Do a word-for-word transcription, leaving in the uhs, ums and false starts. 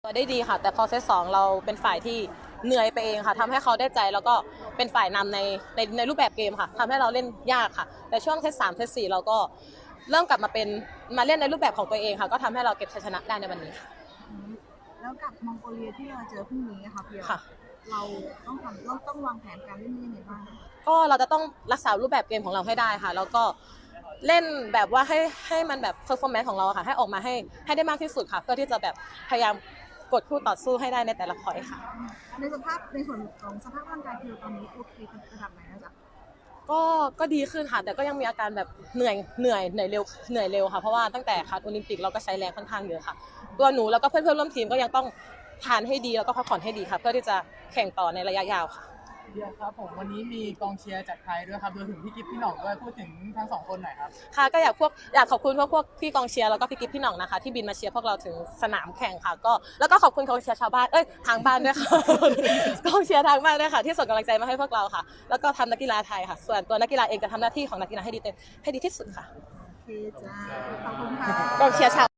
ได้ดีค่ะแต่พอเซตสองเราเป็นฝ่ายที่เหนื่อยไปเองค่ะทำให้เขาได้ใจแล้วก็เป็นฝ่ายนำในในในรูปแบบเกมค่ะทำให้เราเล่นยากค่ะแต่ช่วงเซตสามเซตสี่เราก็เริ่มกลับมาเป็นมาเล่นในรูปแบบของตัวเองค่ะก็ทำให้เราเก็บชัยชนะได้ในวันนี้ค่ะแล้วกับมองโกเลียที่เราเจอพรุ่งนี้ค่ะพี่เราต้องทำเราต้องวางแผนการเล่นยังไงบ้างก็เราจะต้องรักษารูปแบบเกมของเราให้ได้ค่ะแล้วก็เล่นแบบว่าให้ให้มันแบบเพอร์ฟอร์แมนซ์ของเราค่ะให้ออกมาให้ให้ได้มากที่สุดค่ะเพื่อที่จะแบบพยายามกดคู่ต่อสู้ให้ได้ในแต่ละพอยต์ค่ะในสภาพในส่วนของสภาพร่างกายคือตอนนี้โอเคระดับไหนนะจ๊ะก็ก็ดีขึ้นค่ะแต่ก็ยังมีอาการแบบเหนื่อยเหนื่อยเหนื่อยเร็วเหนื่อยเร็วค่ะเพราะว่าตั้งแต่คัดโอลิมปิกเราก็ใช้แรงค่อนข้างเยอะค่ะตัวหนูแล้วก็เพื่อนเพื่อนร่วมทีมก็ยังต้องทานให้ดีแล้วก็พักผ่อนให้ดีค่ะเพื่อที่จะแข่งต่อในระยะยาวค่ะเดียวครับผมวันนี้มีกองเชียร์จากไทยด้วยครับรวมถึงพี่กิฟพี่หน่องด้วยพูดถึงทั้งสองคนหน่อยครับค่ะก็อยากพวกอยากขอบคุณพวกพวกพี่กองเชียร์แล้วก็พี่กิฟพี่หน่องนะคะที่บินมาเชียร์พวกเราถึงสนามแข่งค่ะก็แล้วก็ขอบคุณกองเชียร์ชาวบ้านเอ้ยทางบ้านด้วยค่ะกองเชียร์ทางบ้านด้วยค่ะที่ส่งกำลังใจมาให้พวกเราค่ะแล้วก็ทำนักกีฬาไทยค่ะส่วนตัวนักกีฬาเองจะทำหน้าที่ของนักกีฬาให้ดีเต็มให้ดีที่สุดค่ะโอเคจ้าขอบคุณค่ะกองเชียร์ชาว